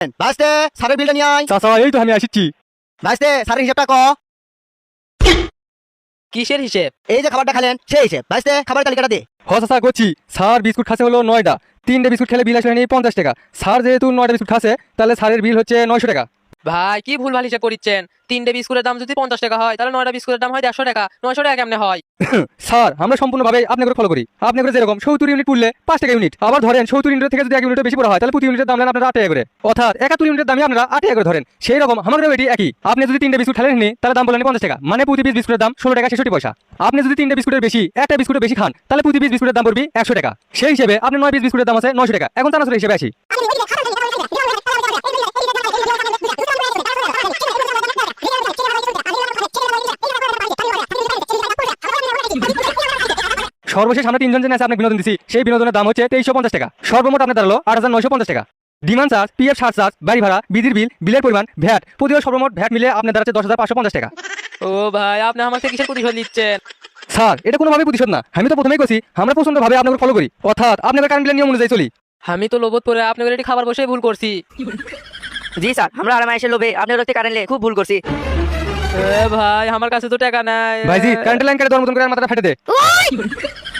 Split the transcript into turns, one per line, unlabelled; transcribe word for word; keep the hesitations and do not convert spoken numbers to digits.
ভাইস্তে স্যারের বিলটা নিয়ে আয়।
চাচা এই তো আমি আসিচ্ছি।
ভাইস্তে স্যারের হিসাবটা ক।
কিসের হিসেব?
এই যে খাবারটা খেলেন সেই হিসেব। ভাইস্তে খাবার তালিকাটা দে।
হ চাচা করছি। স্যার বিস্কুট খাচ্ছে হলো নয়টা, তিনটে বিস্কুট খেলে বিল আসলে পঞ্চাশ টাকা। স্যার যেহেতু নয়টা বিস্কুট খাচ্ছে তাহলে স্যারের বিল হচ্ছে নয়শো টাকা।
ভাই কি ভুলভাল হিসেব করিচ্ছেন? তিনটে বিস্কুটের দাম যদি পঞ্চাশ টাকা হয় তাহলে নয়টা বিস্কুটের দাম হয় দেড়শো টাকা। নয়শো টাকা কেমনে হয়?
স্যার আমরা সম্পূর্ণভাবে আপনাকে ফলো করি। আপনাকে যেরকম সত্তর ইউনিট পড়লে পাঁচ টাকা ইউনিট, আবার ধরেন সত্তর ইউনিট থেকে যদি এক ইউনিট বেশি পড়া হয় তাহলে প্রতি ইউনিটের দাম নেন আপনারা আট টাকা করে, অর্থাৎ একাত্তর ইউনিটের দামই আপনারা আট টাকা করে ধরেন। সেই রকম আমাদের এটি একই। আপনি যদি তিনটে বিস্কুট খেলেন তাহলে দাম বলেন পঞ্চাশ টাকা, মানে প্রতি পিস বিস্কুটের দাম ষোলো টাকা ছেষট্টি পয়সা। আপনি যদি তিনটে বিস্কুটের বেশি একটা বিস্কুটের বেশি খান তাহলে প্রতি পিস বিস্কুটের দাম পড়বে একশো টাকা। সেই হিসেবে আপনি নয় পিস বিস্কুটের দাম আছে নয়শো টাকা। এখন চানাচুর হিসেবে আসি। সর্বশেষ আমরা তিনজন জেনে আছে আপনাকে বিনোদন দিচ্ছি, সেই বিনোদনের দাম হচ্ছে তেইশশো পঞ্চাশ টাকা। সর্বমোট আপনার দাঁড়ালো আট হাজার নয়শো পঞ্চাশ টাকা। Demand charge, PF surcharge, বাড়ি ভাড়া, বিদ্যুৎ বিল, বিলের পরিমাণ, ভ্যাট, প্রতিও সর্বমোট ভ্যাট মিলে আপনার দাঁড়াচ্ছে দশ হাজার পাঁচশো পঞ্চাশ টাকা।
ও ভাই আপনি আমাকে কিসের প্রতিশোধ নিচ্ছেন?
স্যার এটা কোনোভাবেই প্রতিশোধ না, আমি তো প্রথমেই কছি আমরা প্রচন্ডভাবে আপনাকে ফলো করি, অর্থাৎ আপনাদের কারেন্ট বিলের নিয়ম অনুযায়ী চলি।
আমি তো লোভত পরে আপনাদের এটি খাবার বসে ভুল করছি।
জি স্যার, আমরা আর মাইশের লোভে আপনার রক্তে কারেন্টলে খুব ভুল করছি।
এ ভাই আমার কাছে তো টাকা নাই।
ভাইজি কারেন্ট লাইন কেটে দর মতন করে মাথাটা ফেটে দে।